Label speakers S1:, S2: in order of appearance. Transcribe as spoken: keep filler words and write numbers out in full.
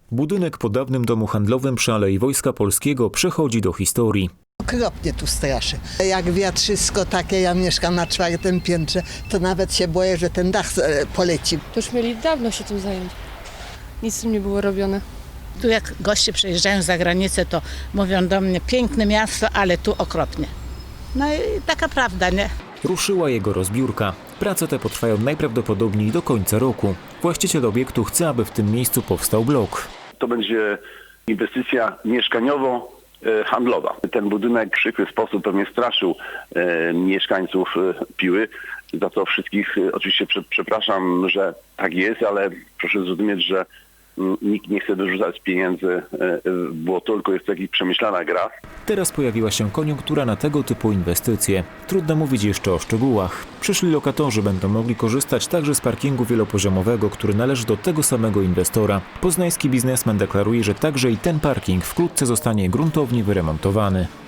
S1: Budynek po dawnym domu handlowym przy Alei Wojska Polskiego przechodzi do historii.
S2: Okropnie tu straszy. Jak wiatrzysko takie, ja mieszkam na czwartym piętrze, to nawet się boję, że ten dach e, poleci.
S3: To już mieli dawno się tym zająć. Nic z tym nie było robione.
S4: Tu jak goście przyjeżdżają za granicę, to mówią do mnie, piękne miasto, ale tu okropnie. No i taka prawda, nie?
S1: Ruszyła jego rozbiórka. Prace te potrwają najprawdopodobniej do końca roku. Właściciel obiektu chce, aby w tym miejscu powstał blok.
S5: To będzie inwestycja mieszkaniowo-handlowa. Ten budynek w przykry sposób pewnie straszył e, mieszkańców e, Piły. Za to wszystkich e, oczywiście prze, przepraszam, że tak jest, ale proszę zrozumieć, że m, nikt nie chce wyrzucać pieniędzy e, w błoto, tylko jest to jakaś przemyślana gra.
S1: Teraz pojawiła się koniunktura na tego typu inwestycje. Trudno mówić jeszcze o szczegółach. Przyszli lokatorzy będą mogli korzystać także z parkingu wielopoziomowego, który należy do tego samego inwestora. Poznański biznesmen deklaruje, że także i ten parking wkrótce zostanie gruntownie wyremontowany.